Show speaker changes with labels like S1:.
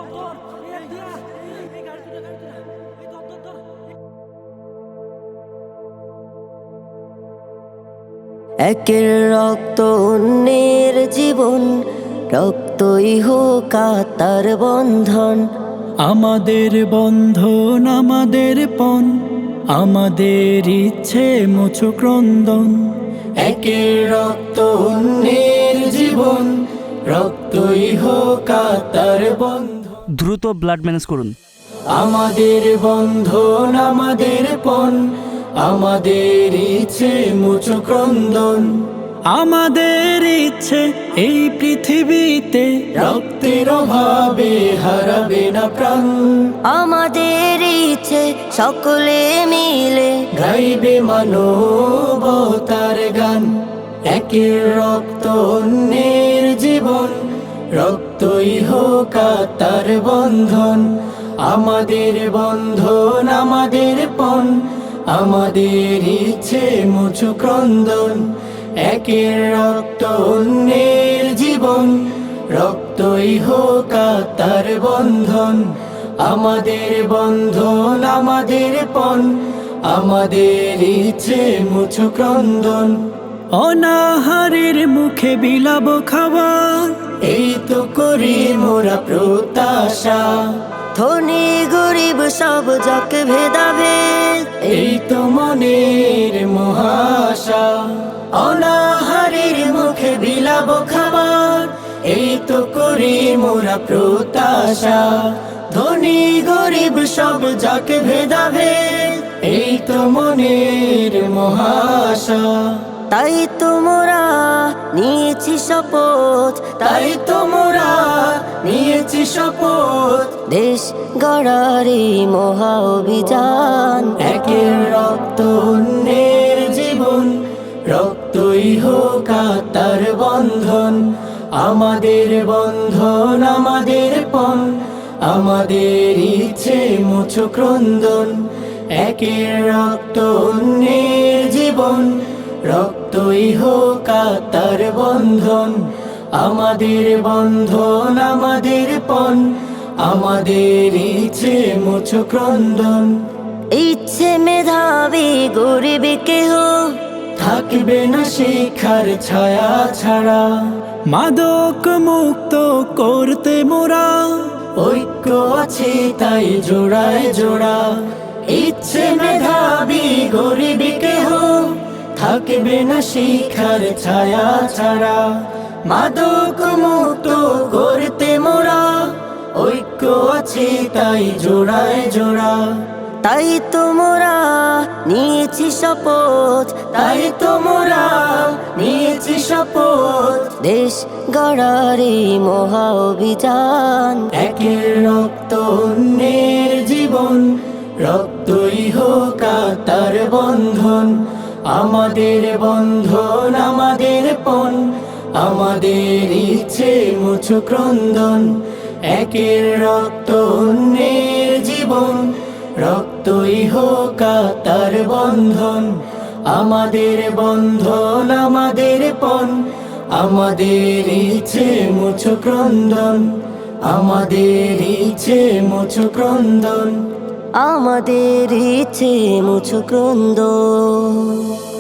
S1: একের রক্ত অন্যের জীবন, রক্তই হোক তার বন্ধন।
S2: আমাদের বন্ধন আমাদের পণ, আমাদের ইচ্ছে মুছো ক্রন্দন।
S3: একের রক্ত অন্যের জীবন, রক্তই হোক তার বন্ধন।
S4: দ্রুত ব্লাড ম্যানেজ করুন।
S3: আমাদের বন্ধন আমাদের পণ, আমাদের ইচ্ছে মুছো ক্রন্দন।
S2: আমাদের ইচ্ছে এই পৃথিবীতে
S3: রক্তের অভাবে হারাবে না প্রাণ।
S1: আমাদের ইচ্ছে সকলে মিলে
S3: গাইবে মানবতার গান। একের রক্ত অন্যের জীবন, রক্তই হোক তার বন্ধন। আমাদের বন্ধন আমাদের পণ, আমাদের ইচ্ছে মুছো ক্রন্দন। একের রক্ত অন্যের জীবন, রক্তই হোক তার বন্ধন। আমাদের বন্ধন আমাদের পণ, আমাদের ইচ্ছে মুছো ক্রন্দন।
S2: অনাহারের মুখে বিলাব খাবার,
S3: এই তো করি মোরা প্রত্যাশা।
S1: ধনী গরিব সব যাকে ভেদাভেদ,
S3: এই তো মনের মহাশা। অনাহারের মুখে বিলাব খাবার, এই তো করি মোরা প্রত্যাশা। ধনী গরিব সব যাকে ভেদাভেদ, এই তো মনের মহাশা।
S1: তাই তোমরা নিয়েছি শপথ,
S3: তাই তোমরা নিয়েছি শপথ।
S1: দেশ গড়ার এই মহা অভিযান।
S3: একের রক্ত অন্যের জীবন, রক্তই হোক তার বন্ধন। আমাদের বন্ধন আমাদের পণ, আমাদের ইচ্ছে মুছো ক্রন্দন। একের রক্ত অন্যের জীবন, রক্তই হোক তার বন্ধন। আমাদের বন্ধন আমাদের পণ, আমাদের ইচ্ছে মুছো ক্রন্দন।
S1: ইচ্ছে মেধাবী গরিব কেহ
S3: থাকবে না শিক্ষার ছায়া ছাড়া।
S2: মাদক মুক্ত করতে মোরা
S3: ঐক্য আছে তাই জোড়ায় জোড়া। ইচ্ছে মেধাবী গরিব কেহ থাকবে না শিক্ষার ছায়া ছাড়া। মাদক মুক্ত করতে মোরা ঐক্য আছে তাই জোড়ায় জোড়া।
S1: তাই তোমরা নিয়েছি শপথ,
S3: তাই তোমরা নিয়েছি শপথ।
S1: দেশ গড়ার এই মহা অভিযান।
S3: একের রক্ত অন্যের জীবন, রক্তই হোক তার বন্ধন। আমাদের বন্ধন আমাদের পণ, আমাদের ইচ্ছে মুছো ক্রন্দন। একের রক্ত অন্যের জীবন, রক্তই হোক তার বন্ধন। আমাদের বন্ধন আমাদের পণ, আমাদের ইচ্ছে মুছো ক্রন্দন। আমাদের ইচ্ছে মুছো ক্রন্দন।
S1: আমাদের ইচ্ছে মুছো ক্রন্দন।